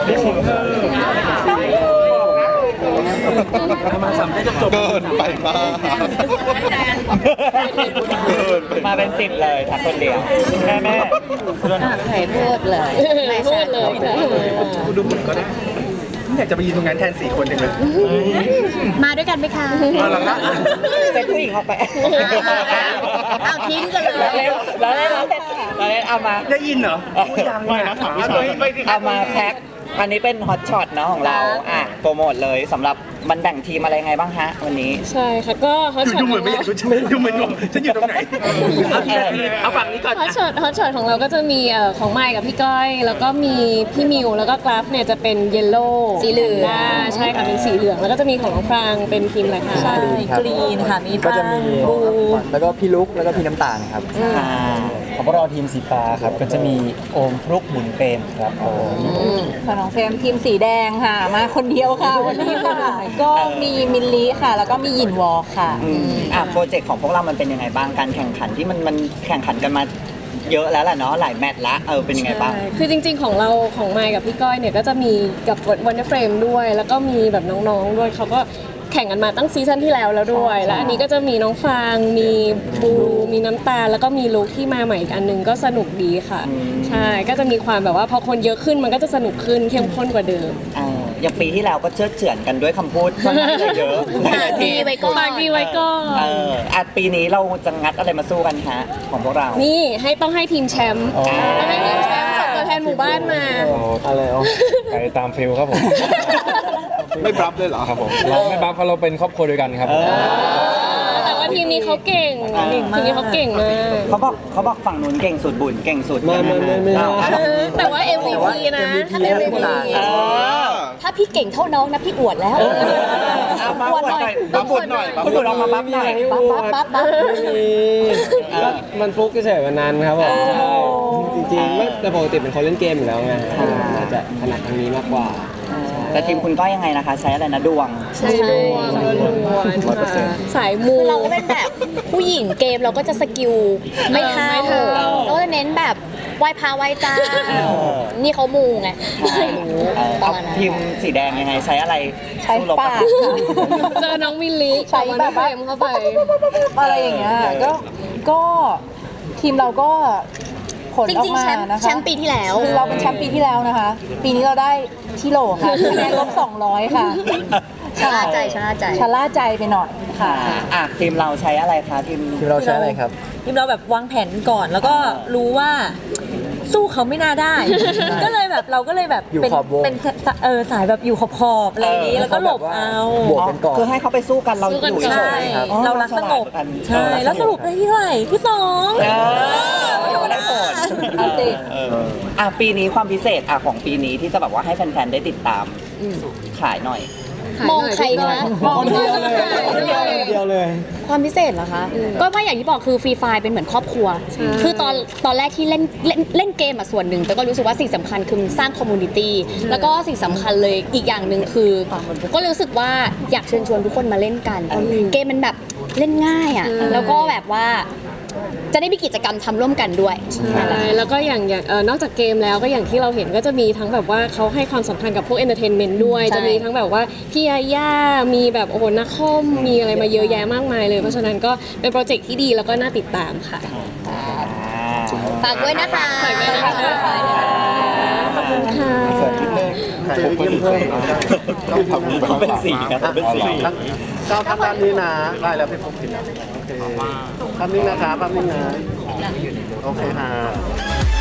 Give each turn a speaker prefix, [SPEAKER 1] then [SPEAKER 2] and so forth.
[SPEAKER 1] มาสามได้จบ
[SPEAKER 2] เกินไปมาก
[SPEAKER 3] มาเป็น10เลยทั้งคนเดียวแม่
[SPEAKER 4] ใครพูดเลยไม่พูดเลย
[SPEAKER 1] กูดูเหมือนก็ได้อยากจะไปยืนตรงนั้นแทน4 คนจังเลย
[SPEAKER 4] มาด้วยกันไหมคะ
[SPEAKER 1] มาแล้วนะ
[SPEAKER 3] เซ็ตผู้หญิงออกไป
[SPEAKER 4] เอาทิ้งกันเลย
[SPEAKER 3] แล้วเอามา
[SPEAKER 1] ได้ยินเหรอยังไม่นะ
[SPEAKER 3] เอามาแพ็คอันนี้เป็นฮอตช็อตเนาะของเราโปรโมทเลยสำหรับมันแบ่งทีมอะไรไงบ้างฮะวันนี้
[SPEAKER 5] ใช่ค่ะก็ฮอตช็อต
[SPEAKER 1] ดูเหมือนไม่อยากดูเหมือนงงฉันอยู่ตรงไหนเอาฝั่งนี้ก่อน
[SPEAKER 5] ฮอตช็อตของเราก็จะมีของไมค์กับพี่ก้อยแล้วก็มีพี่มิวแล้วก็กราฟเนี่ยจะเป็นเยลโล่
[SPEAKER 4] สีเหลือง
[SPEAKER 5] ใช่ค่ะเป็นสีเหลืองแล้วก็จะมีของน้องฟางเป็นทีมอะไรคะ
[SPEAKER 4] ใช่กรีนค่ะมี
[SPEAKER 6] ก็จะมีแล้วก็พี่ลุกแล้วก็พี่น้ำตาลครับของพวกเราทีมสีฟ้าครับก็จะมีโอมฟลุกหมุนเปรมครับ
[SPEAKER 4] ของน้องเฟรมทีมสีแดงค่ะมาคนเดียวค่ะวันนี้ค่ะก็มีมิลลิค่ะแล้วก็มีหยินวอลค่ะ
[SPEAKER 3] โปรเจกต์ของพวกเรามันเป็นยังไงบ้างการแข่งขันที่มันแข่งขันกันมาเยอะแล้วแหละเนาะหลายแมตช์ละเป็นยังไงบ้าง
[SPEAKER 5] คือจริงๆของเราของไมค์กับพี่ก้อยเนี่ยก็จะมีกับวันเดอร์เฟรมด้วยแล้วก็มีแบบน้องๆด้วยเขาก็แข่งกันมาตั้งซีซั่นที่แล้วด้วยแล้วอันนี้ก็จะมีน้องฟางมีบูมีน้ำตาลแล้วก็มีลูกที่มาใหม่อีกอันนึงก็สนุกดีค่ะใช่ก็จะมีความแบบว่าพอคนเยอะขึ้นมันก็จะสนุกขึ้นเข้มข้นกว่าเดิม
[SPEAKER 3] อย่างปีที่แล้วก็เชื่อเฉือนกันด้วยคำพูดค่อนข้างเยอะ
[SPEAKER 4] ปากดีไว้ก่อน
[SPEAKER 3] ปีนี้เราจะงัดอะไรมาสู้กันฮะของพวกเรา
[SPEAKER 5] นี่ต้องให้ทีมแชมป์ต้องให้ทีมแชมป์ส่งตัวแทนหมู่บ้านมา
[SPEAKER 6] อะไร
[SPEAKER 7] ไปตามฟิลครับผม
[SPEAKER 2] ไม่บัฟเลยเหรอ
[SPEAKER 7] ครับผมเราไม่บัฟเพราะเราเป็นครอบครัวเดียวกันครับ
[SPEAKER 5] แต่ว่าทีมนี้เขาเก่งทีมนี้เขาเก่งมาก
[SPEAKER 3] เขาบอกฝั่งนู้นเก่งสุดบุญเก่งสุด
[SPEAKER 6] ไม่
[SPEAKER 5] แต่ว่า MVP นะถ้าเป็น MVP
[SPEAKER 4] ถ้าพี่เก่งเท่าน้องนะพี่อวดแล้ว
[SPEAKER 3] อวดหน่อยคุณอวดออกมาบัฟหน่อย
[SPEAKER 4] บัฟ
[SPEAKER 6] มันฟลุกเฉยๆวันนั้นครับผมจริงๆไม่แต่ปกติเป็นคนเล่นเกมอยู่แล้วไงอาจจะถนัดทางนี้มากกว่า
[SPEAKER 3] แต่ทีมคุณก็ยังไงนะคะใช้อะไรนะดวง
[SPEAKER 5] ใช่ดวงสายมู
[SPEAKER 4] เราก็เป็นแบบผู้หญิงเกมเราก็จะสกิลไม่เท่าเราจะเน้นแบบไหว้พระไหว้เจ้านี่เขามูไง
[SPEAKER 3] ทีมสีแดงยังไงใช้อะไร
[SPEAKER 4] ใช้ปาก
[SPEAKER 5] เจอน้องมิลลิใช้แบบเฟรมเข้าไป
[SPEAKER 8] อะไรอย่างเงี้ยก็ทีมเราก็ผลออกมานะคะ
[SPEAKER 4] แชมป์ปีที่แล้ว
[SPEAKER 8] คือเราเป็นแชมป์ปีที่แล้วนะคะปีนี้เราได้ที่โหลค่ะคะแนนลบ200ค่ะ
[SPEAKER 4] ชะล่า
[SPEAKER 8] ใจไปหน่อยค่ะ
[SPEAKER 3] ทีมเราใช้อะไรคะทีม
[SPEAKER 6] เราใช้อะไรครับ
[SPEAKER 8] ทีมเราแบบวางแผนก่อนแล้วก็รู้ว่าสู้เขาไม่น่าได้ก็เลยแบบเราก็เลยแบบเป็นสายแบบอยู่ขอบอะไรอย่างนี้แล้วก็หลบเอา
[SPEAKER 6] บวกกันก่อน
[SPEAKER 3] คือให้เขาไปสู้กันเราอยู่
[SPEAKER 8] ใช่เรารักสงบใช่แล้วสรุปได้ที่เท่าไหร่ที่2
[SPEAKER 3] ไม่ได้ผลปีนี้ความพิเศษของปีนี้ที่จะแบบว่าให้แฟนๆได้ติดตามขายหน่อย
[SPEAKER 4] มองใครคะ
[SPEAKER 6] มองเดียวเลย
[SPEAKER 4] ความพิเศษเหรอคะก็ว่าอย่างที่บอกคือฟรีไฟเป็นเหมือนครอบครัวคือตอนแรกที่เล่นเกมส่วนหนึ่งแต่ก็รู้สึกว่าสิ่งสำคัญคือสร้างคอมมูนิตี้แล้วก็สิ่งสำคัญเลยอีกอย่างหนึ่งคือก็รู้สึกว่าอยากเชิญชวนทุกคนมาเล่นกันเกมมันแบบเล่นง่ายแล้วก็แบบว่าจะได้มีกิจกรรมทำร่วมกันด้วย
[SPEAKER 5] ใช่แล้วก็อย่างนอกจากเกมแล้วก็อย่างที่เราเห็นก็จะมีทั้งแบบว่าเขาให้ความสำคัญกับพวกเอนเตอร์เทนเมนต์ด้วยจะมีทั้งแบบว่าพี่ยาย่ามีแบบโอ้โหนักคอมมีอะไรมาเยอะแยะมากมายเลยเพราะฉะนั้นก็เป็นโปรเจกต์ที่ดีแล้วก็น่าติดตามค่ะ
[SPEAKER 4] ฝากด้วยนะคะ
[SPEAKER 5] ขอบคุณค่ะ
[SPEAKER 2] เสิร์ฟนิดนึงถ่ายรูปเพิ่ม
[SPEAKER 3] ต้องเป็นสีครับเป็นสี
[SPEAKER 1] เจ้าทำด้านนี้นะได้แล้วพี่พงศ์ผิดแล้วโอเคภาพนี้นะคะภาพนี้นะโอเคค่ะ